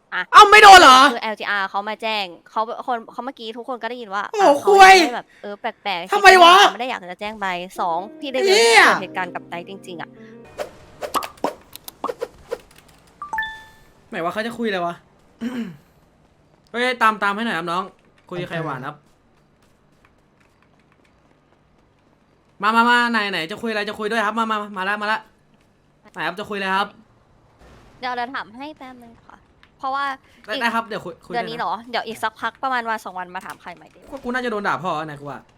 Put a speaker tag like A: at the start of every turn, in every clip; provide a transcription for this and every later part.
A: อ่ะ
B: เอ้าไม่โดนเหรอ
A: คือ LGR เขามาแจ้งเขาเมื่อกี้ทุกคนก็ได้ยินว่า
B: โอ้
A: เขา
B: คุย
A: ยังไม่แบบแปลกๆ
B: ทำไมวะ
A: เขาไม่ได้อยากจะแจ้งใบสองพี่ได้เวล
B: เฮีย
A: เกิดเหตุการณ์กับไนท์จริงๆอ่ะ
B: ไหนว่าเขาจะคุยอะไรวะ เฮ้ยตามให้หน่อยครับน้องคุยกับใครหวานครับมาไหนจะคุยอะไรจะคุยด้วยครับมาละไหนครับจะคุยอะไรครับ
A: เดี๋ยวเราถามให้แป๊บนึงค่ะ เพราะว่าอีก
B: ได้ครับเดี๋ยวคุย
A: เดือน
B: ได้นะ
A: นี้เหรอ เดี๋ยวอีกสักพักประมาณวันสองวันมาถามใครใหม่ดี
B: กูน่าจะโดนด่าพ่อไหนกูว่า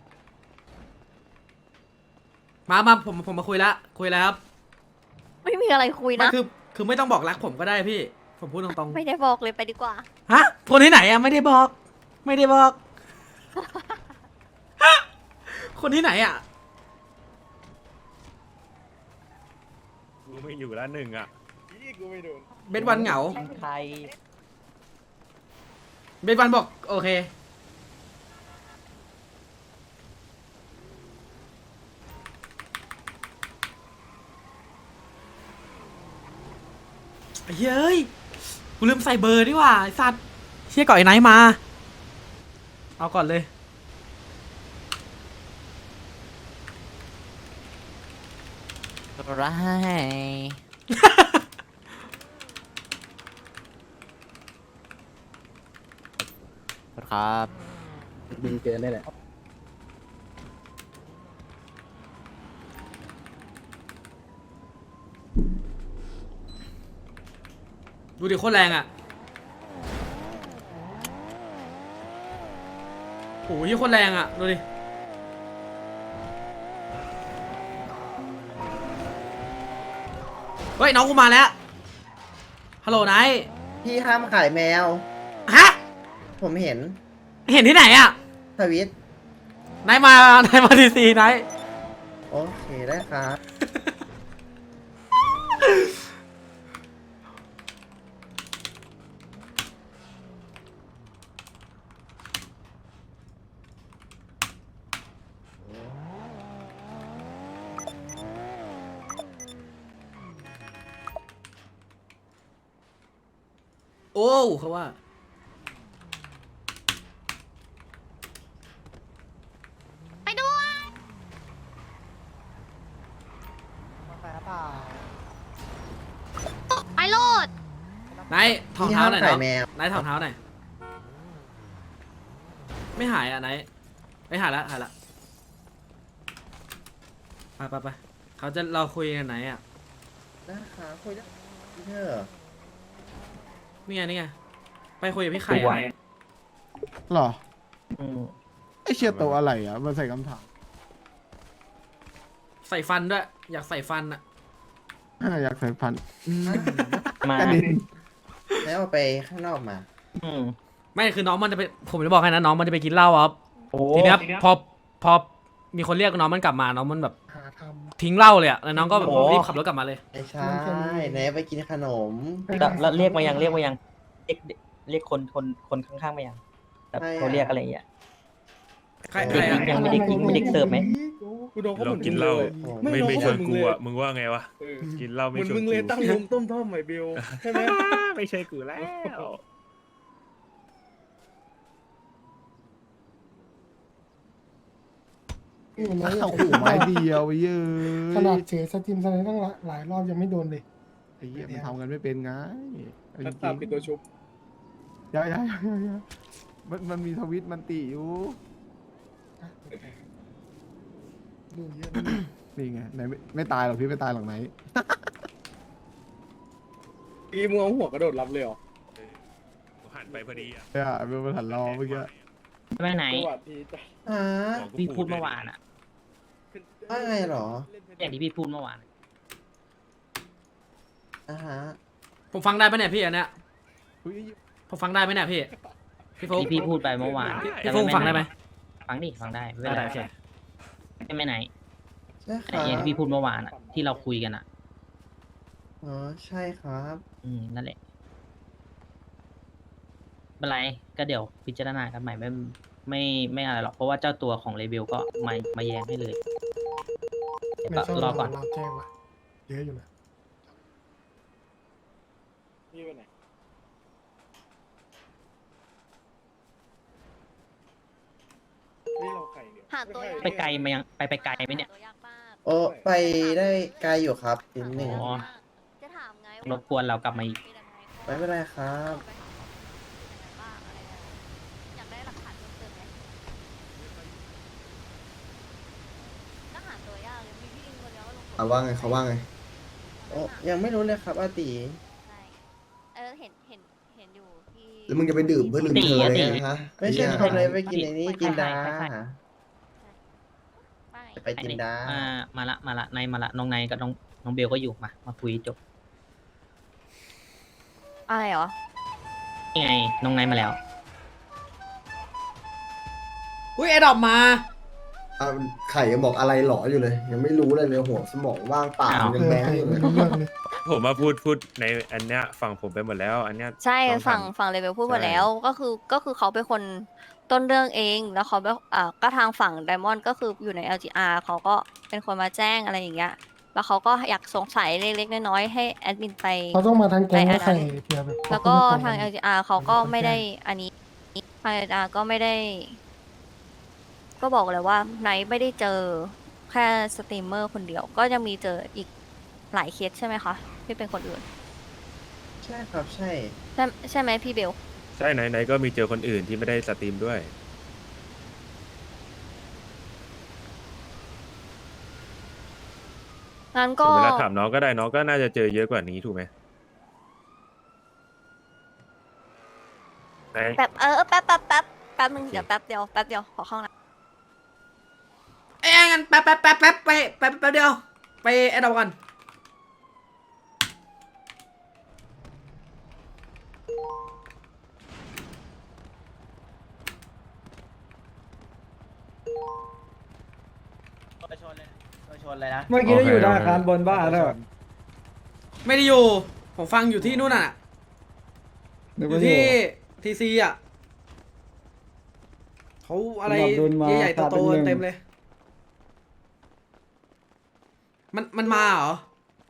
B: มาผมมาคุยละคุยแล้วครับ
A: ไม่มีอะไรคุย
B: ไม่
A: นะ
B: คือไม่ต้องบอกรักผมก็ได้พี่ผมพูดตรง
A: ไม่ได้บอกเลยไปดีกว่า
B: ๆฮะคนที่ไหนอะไม่ได้บอกไม่ได้บอก คนที่ไหนอะ
C: กูไม่อยู่แล้วหนึ่งอ่ะ
B: เบนวันเหงา
D: ใคร
B: เบนวันบอกโอเคเฮ้ยกูลืมใส่เบอร์ดีกว่าไอ้สัตว์เชี่ยก่อนไอ้ไนท์มาเอาก่อนเลย
D: ร้ายครับดีเกินได้แหละ
B: ดูดิโคตรแรงอ่ะโอ้ยโคตรแรงอ่ะดูดิเฮ้ยน้องกูมาแล้วฮัลโหลไนท์
E: พี่ห้ามขายแมว
B: ฮะ
E: ผมเห็น
B: เห็นที่ไหนอ่ะ
E: ทวิต
B: ไนท์มาทีซีไนท์
E: โอเคได้ครับ
B: โอ้เขาว่า
A: ไปด้วย ไปโลด
B: ไนท์ถอด
E: พี่
B: เท้า
E: ห้าม
B: หน่อย
E: ขา
B: เนาะ
E: ยแมว
B: ไนท์ถอดเท้าหน่อยไม่หายอ่ะไนท์ไม่หายละไปเขาจะเราคุยกันไหนอ่ะ
E: นะคะคุยได้พี่เธอ
B: นี่ไงไปคุยกับพี่ไข่อะ
F: หรอไอเชียตัวอะไรอ่ะมาใส่คำถาม
B: ใส่ฟันด้วยอยากใส่ฟันอ่ะ
F: อยากใส่พันธุ์
D: มา
F: กระดิ่ง
E: แล้วเอาไปข้างนอกมา
B: ไม่คือน้องมันจะไปผมจะบอกให้นะน้องมันจะไปกินเหล้าครับ
D: โอ้
B: ทีเนี้ยพอมีคนเรียกน้องมันกลับมาน้องมันแบบ
F: หาท
B: ทิ้งเหล้าเลยอะแล้วน้องก็แบบรีบขับรถกลับมาเลย
E: ไม่ใช่ไหนไปกินขนม
D: แล้วเรียกมายังเรียกคนข้างๆมายังแบบเขาเรียกอะไรอย่างเงี้ย
B: ใคร
D: เด็ก
B: อะ
D: ยังไม่เด็กยิงไม่เด็กเสิร์ฟไหม
G: กูโดนเขา
C: เรา
G: เหมือน
C: กิน
G: มึง
C: เห
G: เล
C: ล้าย
G: ไม่
C: ไม่ชวนกู
G: เลย
C: อ่ะมึงว่าไงวะกินเหล้า
G: เห
C: ไม่
G: มือน
C: ชวน
G: มึง
C: กู
G: เลยตั้งวงต้มท่อมไอเบลใช่ไหม
C: ไม่ใช่กูแล้ว
F: ำนี่มันโอ้โหไม้เดียวเยอะ
H: ขนาดเฉยสตรีมสไนด์ตั้งหลายรอบยังไม่โดนเลย
F: ไอ้เหี้ยมันทำกันไม่เป็นไงจริ
G: ถ้าง
F: ๆ
G: ตามปิดตัวชุบ
F: อย่ามันมีทวิตมันติอยู่
H: ดูเยอะ
F: นี่ไงไหนไม่ตายหรอกพี่ไม่ตายหรอกไหน
G: อีมึงเอาหัวกระโดดรับเลยเหรอ
C: หันไปพอดีอ่ะ
F: เนี่ยเป็นประธานรอเมื่อกี้
D: ไปไหน
G: สวัสดีจ้ะ
E: ฮะ
D: พี่พูดเมื่อวานอ่ะ
E: ว่าไงเหรอ
D: อย่างที่พี่พูดเมื่อวาน
E: ฮะ
B: ผมฟังได้ปะเนี่ยพี่อันเนี้ย
F: อุ๊ย
B: ผมฟังได้ไหมเนี่ยพี่ฟุ๊ก
D: ที่พี่พูดไปเมื่อวาน
B: พี่ฟุ๊กฟังได้ไหม
D: ฟังดิฟังได้ไม่เป็น
B: ได้
D: ไร
B: โอเค
D: ใช่ไหมไหน
E: ใช่ค
D: ไอ้
E: รับ
D: อย่างที่พี่พูดเมื่อวานอ่ะที่เราคุยกันอ่ะ
E: อ๋อใช่ครับ
D: นั่นแหละเป็นไรก็เดี๋ยวพิจารณากันใหม่ไม่อะไรหรอกเพราะว่าเจ้าตัวของเลเบลก็มาแย้งให้เลยเดี๋ยว
H: ไม่
D: ก็
H: ใช่
D: รอก่อน
H: เราแจ้งว่ะเยอะอยู่นะ
G: พี่ไปไหน
A: หาตัวยาก
D: ไปไกลมายังไปไกลไหมเนี่ย
A: หาตัวยากมาก
E: โอ้ไปได้ไกลอยู่ครับนิดหนึ่ง
D: อ๋อ
A: จะถามไง
D: รบกวนเรากลับมาอีก
E: ไม่เป็นไรครับ
A: อยากได้หลักฐานเพิ่มเติมไหมก็หาตัวยากเลยมีพี่อิงคนเดียวก็ลง
I: เขาว่าไงเขาว่าไง
E: โอ้ยังไม่รู้เลยครับอาตี
A: ใช่เห็นอยู่ที่
I: แล้วมึงจะไปดื่มเพื่อลืมเธอเลยไงฮะ
E: ไม่ใช่
I: อ้
E: คน
I: เหี้
E: เลย ยไปกินไอ้นี่กินดา
A: ไม่
E: จะไปกินดา
D: มาละนายมาละน้องนายกับน้องเบลก็อยู่มาคุยจบ
A: อะไรเหรอ
D: นี่ไงน้องนายมาแล้ว
B: อุ้ยไอ้ดอกมา
I: อ่ะไข่ยังบอกอะไรหลออยู่เลย ยังไม่รู้เลยหัวสมองว่างเปล่า
D: อ้าว
I: ยังแบงค์อยู่เลย
H: ไม่รู้เรื่องเลย
C: ผมมาพูดในอันเนี้ยฝั่งผมไปหมดแล้ว อันเนี้ย
A: ใช่
C: ต้องทำ
A: ฝั่งเลเวลพูดหมด
C: ใช่
A: แล้วก็คือเขาเป็นคนต้นเรื่องเองแล้วเขาก็ทางฝั่งไดมอนด์ก็คืออยู่ใน LGR เขาก็เป็นคนมาแจ้งอะไรอย่างเงี้ยแล้วเขาก็อยากสงสัยเล็กๆน้อยๆให้แอดมินไป
H: เขาต้องมาทางแก๊ง
A: ไป
H: แล้วใคร
A: อันนั้น
H: เพียแบบ
A: แล้วก็
H: เข
A: ทาง
H: ไม่ตรง
A: LGR เขาก็ไม่ได้อันนี้ทาง LGR ก็ไม่ได้ ก็บอกเลยว่าไนท์ไม่ได้เจอแค่สตรีมเมอร์คนเดียว ก็ยังมีเจออีกหลายเคสใช่ไหมคะที่เป็นคนอื่น
E: ใช่ครับใช่
A: ใช่ไหมพี่เบล
C: ใช่ไหนก็มีเจอคนอื่นที่ไม่ได้สตรีมด้วย
A: งั้น
C: ถึ
A: ก็
C: งเวลาถามน้องก็ได้น้องก็น่าจะเจอเยอะกว่านี้ถูกไหมไหน
A: แป๊บแป๊บนึงเดี๋ยวแป๊บเดียวขอเข้าห้องน้
B: เอ้ยงั้นแป๊บไปเดียว ไปไอ้ดอกก่อน
D: ชนเลยนะ
G: เมื่อกี้ได้อยู่ธนาคารบนบ้านแล้ว
B: ไม่ได้อยู่ ผมฟังอยู่ที่นู่นน่ะ อยู่ที่ทีซีอ่ะเขาอะไรใหญ่ๆโตๆเต็มเลย มันมาเหรอ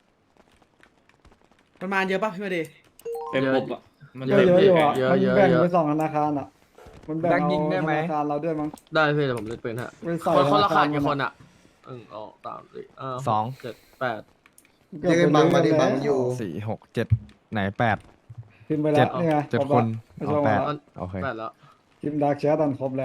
B: มันมาเยอะป่ะพี่มาดี
G: เต็มบบอ่ะ
F: เยอะอยู่อ่ะ
G: มันแบ่งไป2ธนาคารอ่ะมันแบ่ง
F: ยิงได้
G: เอา
F: ไหม
G: ธนาคารเราด้วยมั้ง
F: ได้พี่แต่ผมเล่นปืนฮะ
G: ไปใส่
F: คนละ
G: ธ
F: ขาด
G: ร
F: กี่คน
G: มั
F: อ่ะ1 2 3 4
J: สอง
F: 7 8
I: เรียกไอ้บังมาดิบังอยู่
J: สี่หกเจ็ดไหนแปด
G: พิมพ์ไปแล้วนี่ไง
J: เจ็ด
G: ครบ
J: คน
G: แล้ว
J: เอาแปด
G: ไม่
J: โอเค
F: 8แล้ว
G: พิมพ์ดาร์กแชทตอนครบแล้ว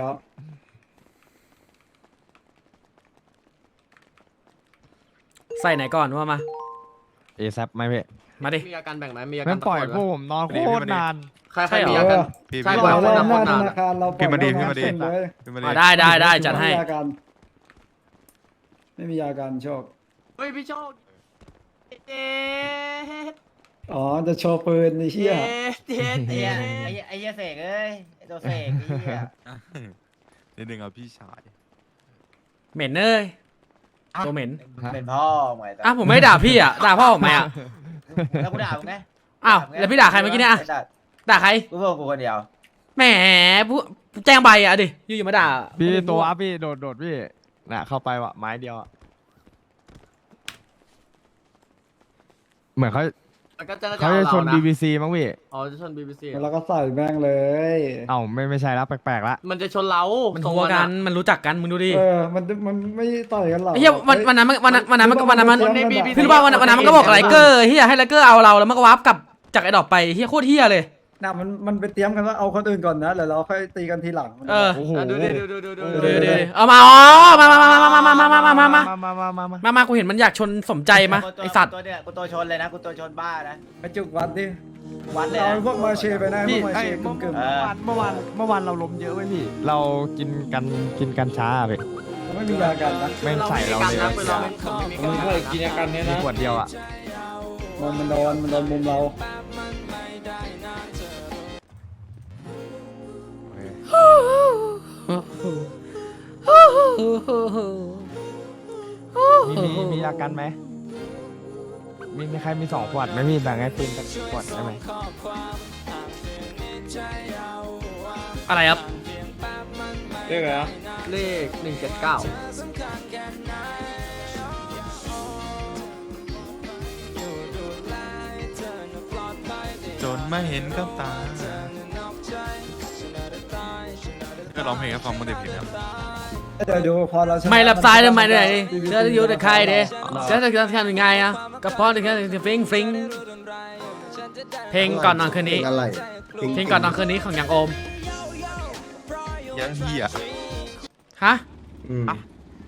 B: ใส่ไหนก่อนว่ามา
J: เอซับไหมพี่
B: มาดิ
F: มีอาการแบ่งไหมมีอาการ
J: ไม่ปล่อย
F: ตะ
J: พวก
F: โกนไหม
J: ผมนอนโคตรนาน
F: ใครมีอาการ
J: พี่
F: ใช่
G: ป
F: ปล่
G: ล่
F: อ
G: อย ย
F: คน
G: รอ
F: ละ
G: บ
F: ค
G: หน้าน ธ
F: นาน
G: นาคารเราปล่อย
J: พี่มาดี
G: รอบ
J: พี่มาดี
G: เซ็นเลย
B: ได้จัดให้
G: ไม่มีอาการไม่มีอาการโชค
F: เฮ้ยพี่โชคเจ๊
G: อ๋อจะโชว์ปืนในเชี่ย
F: เจ๊
D: ไอ้เหี้ยเสกเอ้ยไอ้ตัวเสกไอ้เหี้ย
J: นิดนึงเอาพี่ชาย
B: เหม็นเอ้ยตัวเหม็น
D: เป็นพ่อหมาย
B: อ่ะผมไม่ด่าพี่อ่ะ ด่าพ่อผมไหมอ่ะ
D: แล้วกูด่ามึงไง
B: อ้าวแล้วพี่ด่าใครเมื่อกี้เนี่ยอ่ะด่าใคร
D: กูบอกกูคนเดียว
B: แหมผู้แจ้งใบอ่ะดิอยู่ๆมาด่า
J: พี่ตัวอัพพี่โดดพี่น่ะเข้าไปวะไม้เดียวอะเหมือนเขา
F: แล้วก็จะ
J: เขาจะชน
F: เอาเรานะ
J: BBC มั้งพี่
F: อ๋อจะชน BBC
G: แล้วก็ใส่แม่งเลย
J: เอ้าไม่ใช่แล้วแปลกๆละ
F: มันจะชนเรา
B: มัน
F: ทรง
B: ทัว
F: อะ
B: กันมันรู้จักกันมึงดูดิ
G: มันไม่ต่อยกันหรอก
B: ไอ้เหี้ยวันนั้นมัน
G: ใน
B: พี่รู้ป่ะวันนั้นมันก็บอกไลเกอร์เฮียให้ไลเกอร์เอาเราแล้วมันก็วาร์ปกลับจากไอ้ดอกไปเฮียโคตรเฮียเลย
G: น่ะมันไปเตรียมกันว่าเอาคนอื่นก่อนนะแล้วเราค่อยตีกันทีหลัง
B: เออ
J: โอ้โห
F: อ่ะดูดิดู
B: เดี๋ยวเอามาอ๋อมากูเห็นมันอยากชนสมใจมาไอสัตว์
D: ตัวเนี่ยกูตัวชนเลยนะกูตัวชนบ้านะ
G: ไปจุกวัดดิ
D: วัดเลย
G: เอา
D: นะ
G: พวกมาเชไปนะพว
J: พี่
G: กมา
J: ไอ้
G: เช
J: เมื่
G: กึ่ม
J: อวานเราล้มเยอะไว้ยพี่ เรากินกันช้าอะพี่
G: ๆไม่มียากันนะ
J: แม่งใส่เราเลย
F: เราไม่เคยกินอาการ
J: มีขวดเดียวอ่ะ
G: มันโดนมุมเรา
J: มียากันไหมมีใครมี2 ขวดไหมพี่แบ่งให้ปืนกันขวดได้ไหม
B: อะไรครับ
G: เรียกอะไรนะ
F: เลข179
J: จนไม่เห็นกับตาก็ร้องเพลงให้ฟังเมื่อเด็กเพลงครับ
G: เดี๋ยวดูพอเราชนะ
B: ไม่รับสายทำไมเนี่ย
G: PVP
B: เดี๋ยวอยู่แต่ใครเด้จะทำยังไงอ่ะก็เพราะแค่ฟิงฟิงเพลงก่อนนอนคืนนี้
I: เพลงอะไร
B: เพลงก่อนนอนคืนนี้ของยังโอม
J: ยังเฮีย
B: ฮะ
I: อืม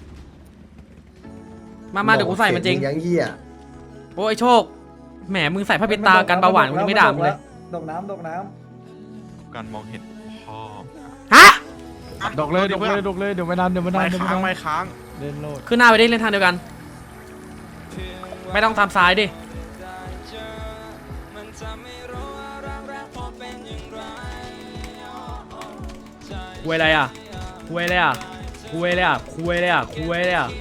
B: มาเดี๋ยวกูใส่มันจริง
I: ยังเหี้ย
B: โอ้ยโชคแหมมึงใส่ผ้าปิดตากันเบาหวานมึงยังไม่ด่ามึงเลย
G: ดกน้ำ
J: การมองเห็นพ่อ
B: ฮะ
J: ดกเลยเดี๋ยวไม่นานไม่ค้างเล่นโลด
B: ขึ้นหน้าไปดิเล่นทางเดียวกัน ไม่ต้องตามซ้ายดิคุยอะไรอ่ะคุยอะไรอ่ะคุยอะไรอ่ะคุยอะไรอ่ะคุยอะไรอ่ะ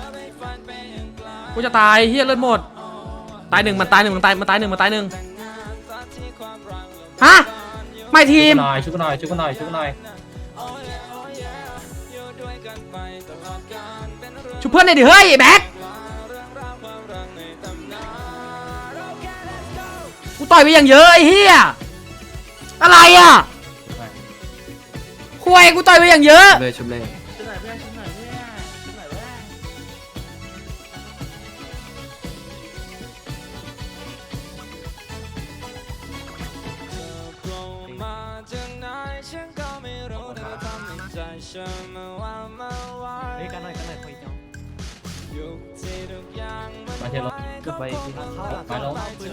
B: กูจะตายเฮียเลือดหมดตายหนึ่งมันตายหนึ่งมันตายหนึ่งฮะไม่ทีม
D: ชุบหน่อย
B: ชุบเพื่อนเลยดิเฮ้ยไอ้แบ็คกูต่อยไปอย่างเยอะไอ้เฮียอะไรอ่ะคุยกูต่อยไปอย่างเยอะ
E: เลยชุบเลย
D: มาเทลงก็ไปมาลง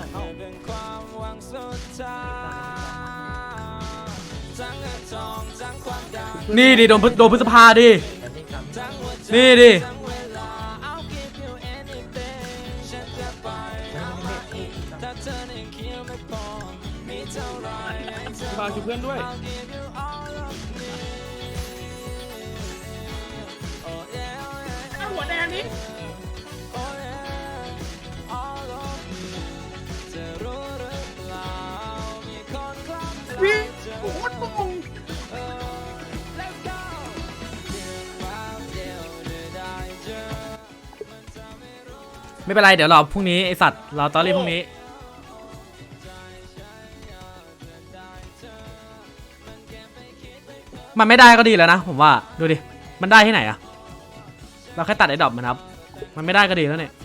B: นี่ดิโดนพฤษภาดินี่ดิ
C: ฝากช่วยเพื่อนด้วย
B: ไม่เป็นไรเดี๋ยวรอพรุ่งนี้ไอสัตว์รอตอรี่พรุ่งนี้มันไม่ได้ก็ดีแล้วนะผมว่าดูดิมันได้ที่ไหนอะเราแค่ตัดไอ้ดอกมันครับมันไม่ได้ก็ดีแล้วเนี่ย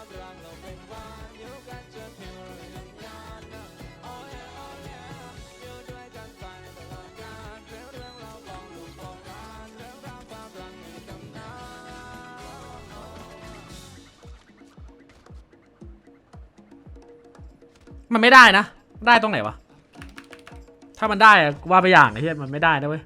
B: มันไม่ได้นะได้ตรงไหนวะถ้ามันได้อะว่าไปอย่างไอ้เหี้ยมันไม่ได้นะเว้ย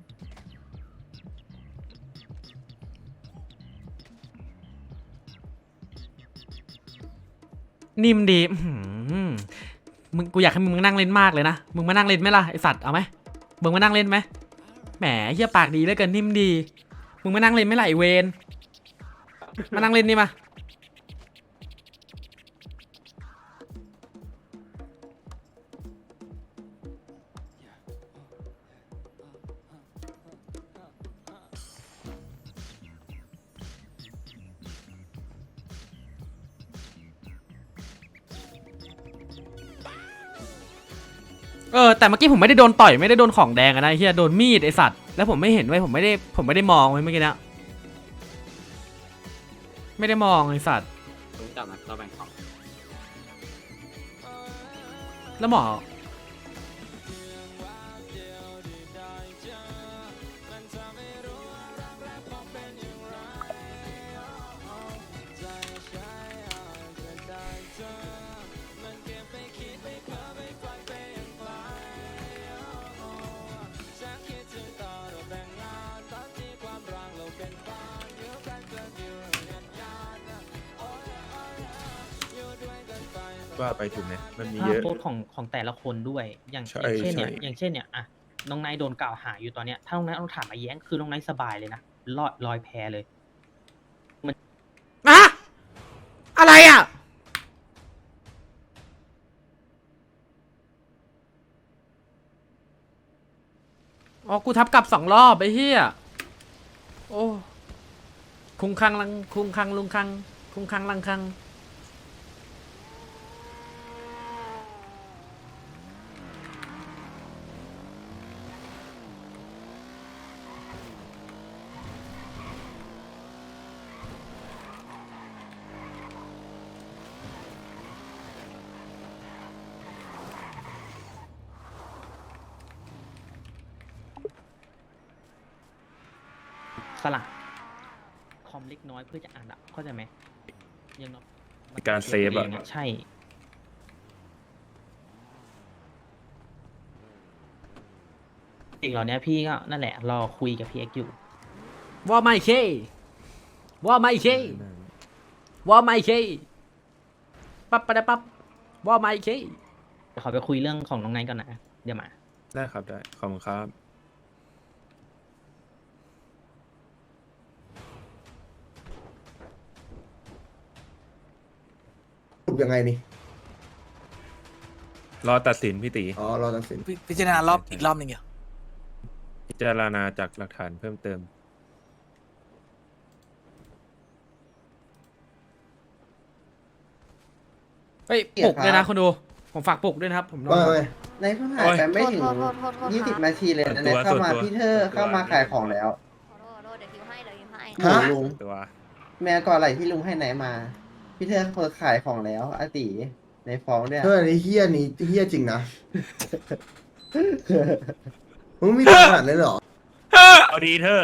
B: นิ่มดีมึงกูอยากให้มึงนั่งเล่นมากเลยนะมึงมานั่งเล่นไหมล่ะไอสัตว์เอาไหมมึงมานั่งเล่นไหมแหมเหี้ยปากดีเหลือเกินนิ่มดีมึงมานั่งเล่นไหมล่ะไอเวนมานั่งเล่นนี่มาแต่เมื่อกี้ผมไม่ได้โดนต่อยไม่ได้โดนของแดงอะนะเฮียโดนมีดไอสัตว์แล้วผมไม่เห็นไว้ผมไม่ได้มองไว้เมื่อกี้นะไม่ได้มองไอสัตว์แล้วหมอ
C: ว่าไปถูกไหมมันมี
D: ภา
C: เย
D: พ
C: อะ
D: โพสต์ของแต่ละคนด้วย อย่าง
C: ใช่
D: เช่นเนี่ย
C: ใช่
D: อย่างเช่นเนี่ยอะน้องไนท์โดนกล่าวหาอยู่ตอนเนี้ยถ้าน้องไนท์เอาถามมาแย้งคือน้องไนท์สบายเลยนะลอยแพเลย
B: อะอะไรอ่ะอ๋อกูทับกลับ2 รอบไอ้เหี้ยโอ้คุงคังลังคุงคังลุงคังคุงคังลังคัง
D: สละคอมเล็กน้อยเพื่อจะอ่านอะเข้าใจไหมยังน้อย
C: มีการเซฟอะ
D: ใช่สิ่งเหล่านี้พี่ก็นั่นแหละรอคุยกับพี่เอ็กซ์อยู่
B: ว่าไม่เคว่าไม่เคว่าไม่เคปั๊บปะดะปั๊บว่าไม่เค
D: เดี๋ยวขอไปคุยเรื่องของน้องไนท์ก่อนนะเดี๋ยวมา
C: ได้ครับได้ขอบคุณครับ
I: ถูกยังไงนี่
C: รอตัดสินพี่ตี
I: อ๋อรอตัดสิน
K: พิจารณารอบอีกรอบหนึ่งเหรอ
C: พิจารณาจากหลักฐานเพิ่มเติม
B: เฮ้ยปลุกด้วยนะคนดูผมฝากปลุกด้วยนะครับผมนอน
I: ว่าไง
E: ในเพิ่งหายไปไม่ถึง
A: โทษ
E: 20 นาทีเลยนะ
C: ส่วนตัว
E: เข้ามา
C: ส่วนตัว
E: พี่เธอเข้ามาขายของแล้ว
A: โทษเดี๋ยวทิวให้เดี๋ยวทิวให้
E: หมูลุง
C: ตัว
E: แม่ก่อนไหลที่ลุงให้ไหนมา พี่เธอเปิดขายของแล้วอาติในฟ้องเนี่ย
I: เธออันนี้เฮี้ยนี่เฮี้ยจริงนะมึงมีปัญหาเลยเหรอ
C: เอาดีเธอ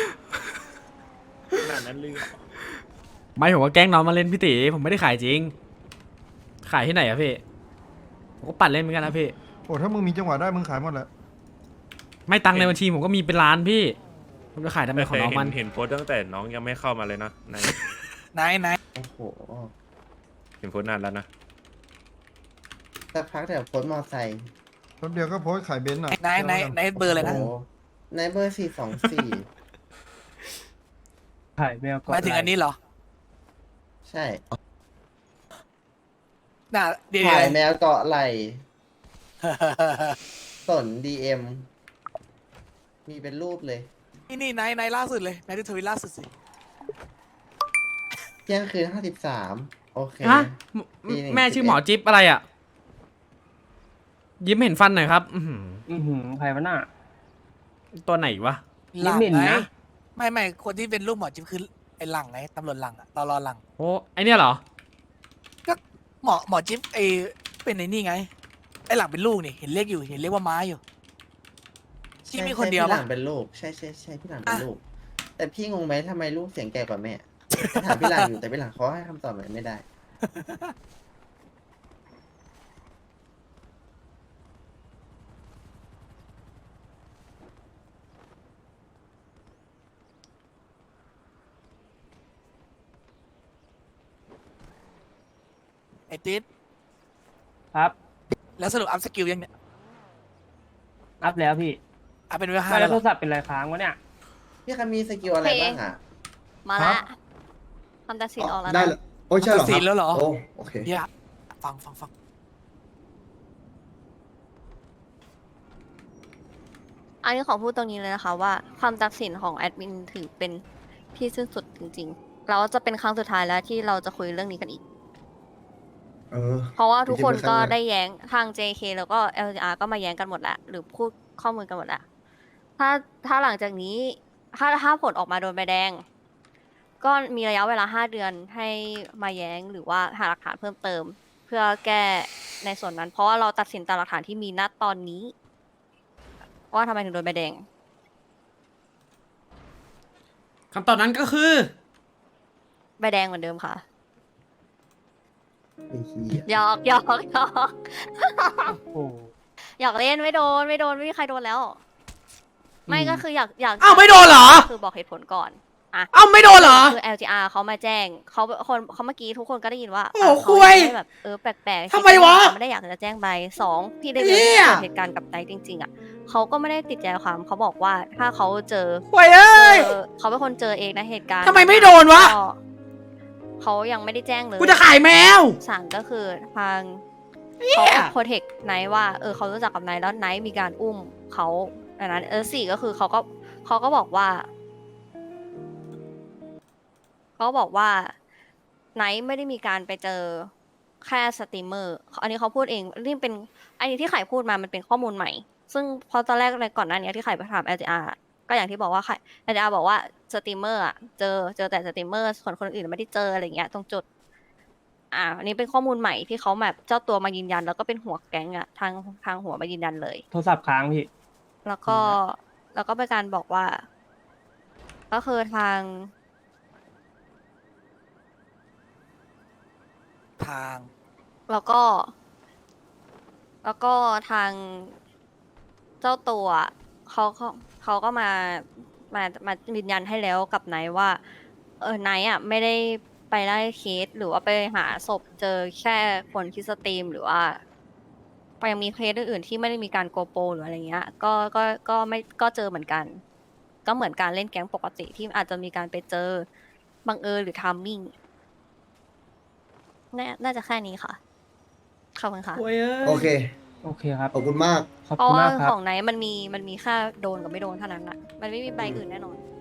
C: ขนาดนั้นเลยเหรอ
B: ไม่ผมว่าแกล้งน้องมาเล่นพี่ตีผมไม่ได้ขายจริง ขายที่ไหนอะพี่ผมก็ปัดเล่นเหมือนกันนะพี่
F: โอ้ถ้ามึงมีจังหวะได้มึงขายหมดแหละ
B: ไม่ตังค์ในบัญชีผมก็มีเป็นล้านพี่ผมจะขายทำไมของน้องมัน
C: เห็นโพสต์ตั้งแต่น้องยังไม่เข้ามาเลยนะใน
K: ไหน
E: โอ้โห
C: เห็นโพสต์นานแล้วนะ
E: สักพักเดี๋ยวโพสต์มอไซค์
F: แป๊บเดียวก็โพสต์ขายเบนซ์อ่ะ
K: ไหนเบอร์เลยนะ
E: โอ้โหในเบอร์ 424
D: ถ่ายแมว
K: หมายถึงอันนี้เหรอ
E: ใช่
K: น่ะเดี๋ยว
E: ถ่ายแมวเกาะไหลสน DM มีเป็นรูปเลย
K: นี่ไหนล่าสุดเลยไหนที่ทวิตล่าสุดสิ
E: เที่ยงคืน 53 โอเค
B: ฮะ
E: ปีหนึ่ง
B: แม่ชื่อหมอจิ๊บอะไรอะยิ้มเห็นฟันหน่อยครับ
D: ใครวะน่ะ
B: ตัวไหนวะ
K: หลัง
D: เหม็น
K: ไง
D: นะ
K: ไม่คนที่เป็นลูกหมอจิ๊บคือไอ้หลังไงตำรวจหลังอะตอรอหลัง
B: โอ้ไอเนี่ยเหรอ
K: ก็หมอจิ๊บไอ้เป็นไอ้นี่ไงไอ้หลังเป็นลูกนี่เห็นเรียกว่าม้าอยู่ที่มีคนเดียว
E: พี่ห
K: ปะ
E: ลังเป็นลูก ใช่พี่หลังเป็น
K: อ่ะ
E: ลูก แต่พี่งงไหมทำไมลูกเสียงแก่กว่าแม่ถามพี่หลังอยู่แต่พี่หลังเขาให้คำตอบอะไรไม่ได้
K: ไอ้ติ๊ด
D: ครับ
K: แล้วสรุปอัพสกิลยังเนี่ย
D: อัพแล้วพี่
K: อัพเป็นเวล
D: ไม่
K: 5
D: แล้
K: แล้ว ว
D: โท
K: เหรอ
D: รศัพท์เป็นไรค้างวะเนี่ย
E: พี่คะมีสกิลอะไรบ้างอ่ะ
A: มาละคำตัดสินออกแล้ว
I: ได้
A: นะ
I: แล้วโอ้ยใช่เหรอ
K: ตัดสินแล้วเหรอ
I: โอ้โอเค
K: เดี๋ยวฟัง
A: อันนี้ขอพูดตรงนี้เลยนะคะว่าความตัดสินของแอดมินถือเป็นที่สิ้นสุดจริงๆแล้วจะเป็นครั้งสุดท้ายแล้วที่เราจะคุยเรื่องนี้กันอีก
I: เออ
A: เพราะว่าทุกคนก็
I: จริงๆเป็นครั้งแรก
A: ได้แย้งทาง JK แล้วก็ LGR ก็มาแย้งกันหมดแล้ว หรือพูดข้อมูลกันหมดแล้ว ถ้าหลังจากนี้ถ้าผลออกมาโดนใบแดง ก็มีระยะเวลา 5 เดือนให้มาแย้งหรือว่าหาหลักฐานเพิ่มเติม เพื่อแก้ในส่วนนั้น เพราะว่าเราตัดสินตามหลักฐานที่มีณตอนนี้ ว่าทำไมถึงโดนใบแดง
B: คำตอบนั้นก็คือ
A: ใบแดงเหมือนเดิมค่ะ
I: ไอ้เหี้ย
A: หยอกอยากเล่นไม่โดนไม่มีใครโดนแล้ว ไม่ก็คืออยาก
B: อ้าวไม่โดนเหรอ
A: คือบอกเหตุผลก่อน
B: เอ้าไม่โดนเหรอ
A: คือ LGR เขามาแจ้งเขาเมื่อกี้ทุกคนก็ได้ยินว่า
B: โอ้
A: เขา
B: คุย
A: ได้แบบแปลกๆ
B: ทำไมวะ
A: ไม่ได้อยากจะแจ้งใบ2พี่ได้
B: เหี้
A: เกิ
B: ย
A: ดเหตุการณ์กับไนท์จริงๆอ่ะเขาก็ไม่ได้ติดใจความเขาบอกว่าถ้าเขาเจอ
B: โว้ยเอ้ย
A: เขาเป็นคนเจอเองนะเหตุการณ์
B: ทำไมไม่โดนวะ
A: ก็เขายังไม่ได้แจ้งเลย
B: กูจะขายแมว
A: สั่งก็คือทาง
B: เหี้
A: เขา
B: ย
A: โปรเทคไนท์ว่าเขารู้จักกับไนท์แล้วไนท์มีการอุ้มเขาอันนั้นสี่ก็คือเขาก็บอกว่าไนท์ไม่ได้มีการไปเจอแค่สตรีมเมอร์อันนี้เขาพูดเองนี่เป็นอันนี้ที่ไข่พูดมามันเป็นข้อมูลใหม่ ซึ่งพอตอนแรกเลยก่อนหน้านี้ที่ไข่ไปถาม LGR ก็อย่างที่บอกว่าLGR บอกว่าสตรีมเมอร์อะเจอแต่สตรีมเมอร์ส่วนคนอื่นไม่ได้เจออะไรอย่างเงี้ยตรงจุดอันนี้เป็นข้อมูลใหม่ที่เขาแบบเจ้าตัวมายืนยัน แล้วก็เป็นหัวแก๊งอะทางหัวมายืนยันเลย
D: โทรศัพท์ค้างพี่
A: แล้วก็เป็นการบอกว่าก็คือทาง แล้วก็ทางเจ้าตัวเขาก็มายืนยันให้แล้วกับไนท์ว่าไนท์อ่ะไม่ได้ไปไล่เคสหรือว่าไปหาศพเจอแค่คนที่สตรีมหรือว่ายังมีเคสอื่นๆที่ไม่ได้มีการโกโปรหรืออะไรเงี้ยก็เจอเหมือนกัน ก็เหมือนการเล่นแก๊งปกติที่อาจจะมีการไปเจอบังเอิญหรือทามมิ่งน่าจะแค่นี้ค่ะขอบคุณค่ะ
I: โอเค
D: โอเคครับ
I: ขอบคุณมาก
D: ขอบ
A: เพราะ
D: คุณ
A: ว่าม
D: ากครับ
A: ของไหนมันมีแค่โดนกับไม่โดนเท่านั้นอะมันไม่มีใบอื่นแน่นอน